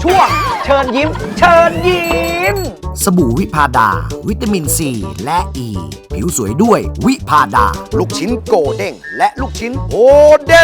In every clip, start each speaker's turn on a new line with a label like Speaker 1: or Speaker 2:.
Speaker 1: ช่วงเชิญยิ้ม เชิญยิ้ม
Speaker 2: สบู่วิพาดา วิตามินซีและอ e. ีผิวสวยด้วยวิพาดา
Speaker 3: ลูกชิ้นโกเด้งและลูกชิ้นโฮเด้ง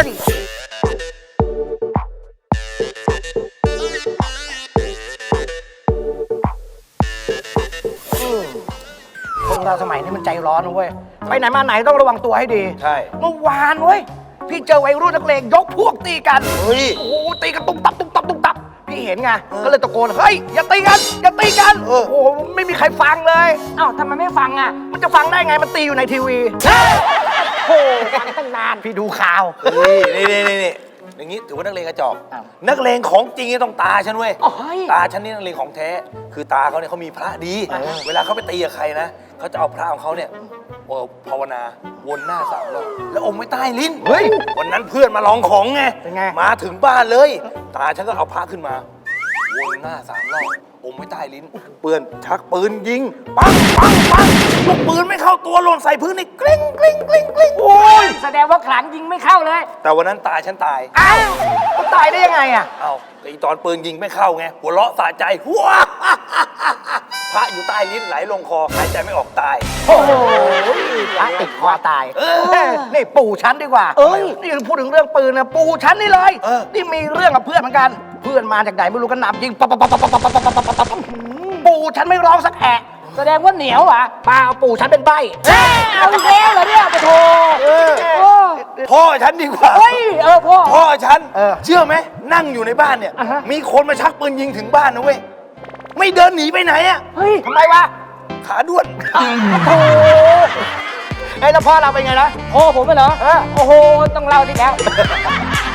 Speaker 1: คนเราสมัยนี้มันใจร้อนนะเว้ย ไปไหนมาไหนต้องระวังตัวให้ดี
Speaker 3: ใช่
Speaker 1: เมื่อวานเว้ย พี่เจอวัยรุ่นนักเลงยกพวกตีกัน
Speaker 3: เฮ้ย
Speaker 1: โอ้โหตีกันตุ้มตับตุ้มตับตุ้มตับ พี่เห็นไง ก็เลยตะโกน เฮ้ย อย่าตีกัน อย่าตีกัน โอ้โห ไม่มีใครฟังเลย
Speaker 4: เอ้าทำไมไม่ฟังอ่ะ
Speaker 1: มันจะฟังได้ไง มันตีอยู่ในทีวีโอ้โหฟังตั้งนาน พี่ดูข่าว
Speaker 3: นี่อย่างนี้ถือว่านักเลงกระจอก
Speaker 1: อ้าว
Speaker 3: นักเลงของจริงเนี่ยต้องตาฉันเว้ย
Speaker 4: โอ้ย
Speaker 3: ตาฉันนี่นักเลงของแท้ คือตาเขาเนี่ยเขามีพระดี เวลาเขาไปตีกับใครนะเขาจะเอาพระของเขาเนี่ยภาวนาวนหน้า3 รอบแล้วอมไว้ใต้ลิ้น
Speaker 1: เฮ้ย
Speaker 3: วันนั้นเพื่อนมาลองของไง
Speaker 1: เป็นไง
Speaker 3: มาถึงบ้านเลย ตาฉันก็เอาพระขึ้นมา วนหน้า3 รอบอมไว้ใต้ลิ้น เปื่อนชักปืนยิง ปังลูกปืนไม่เข้าตัวหล่นใส่พื้นนี่กลิ้งโอ้ย
Speaker 4: แสดงว่าขลังยิงไม่เข้าเลย
Speaker 3: แต่วันนั้นตาฉันตาย
Speaker 1: อ้าวมันตายได้ยังไงอ่ะ
Speaker 3: เอ้าแต่อีตอนปืนยิงไม่เข้าไง หัวเราะสะใจว้าพระอยู่ใต้ลิ้นไหลลงคอหายใจไม่ออกตาย
Speaker 1: โอ้โหพระติดคอตายนี่ปู่ฉันดีกว่า นี่พูดถึงเรื่องปืนนะปู่ฉันนี่เลย นี่มีเรื่องกับเพื่อนเหมือนกัน เพื่อนมาจากไหนไม่รู้กันหนำยิงปั๊บปู่ฉันไม่ร้องสักแอะ
Speaker 4: แสดงว่าเหนียวอ่ะ
Speaker 1: เปล่าปู่ฉันเป็นใบ้
Speaker 4: เอาอีกแล้วเหรอเนี่ยปะโถโอ้
Speaker 3: พ่อฉันดีกว่า
Speaker 4: เฮ้ยพ่อ
Speaker 3: พ่อฉัน เชื่อไหมนั่งอยู่ในบ้านเนี่ย มีคนมาชักปืนยิงถึงบ้านนะเว้ย ไม่เดินหนีไปไหนอะ
Speaker 4: เฮ้ย
Speaker 1: ทำไมวะ
Speaker 3: ขาด้วน
Speaker 1: โอ้ไอ้แล้วพ่อเราเป็นไงนะ
Speaker 4: โอ้ผมเหรอโอ้โหต้องเล่าดิแล้ว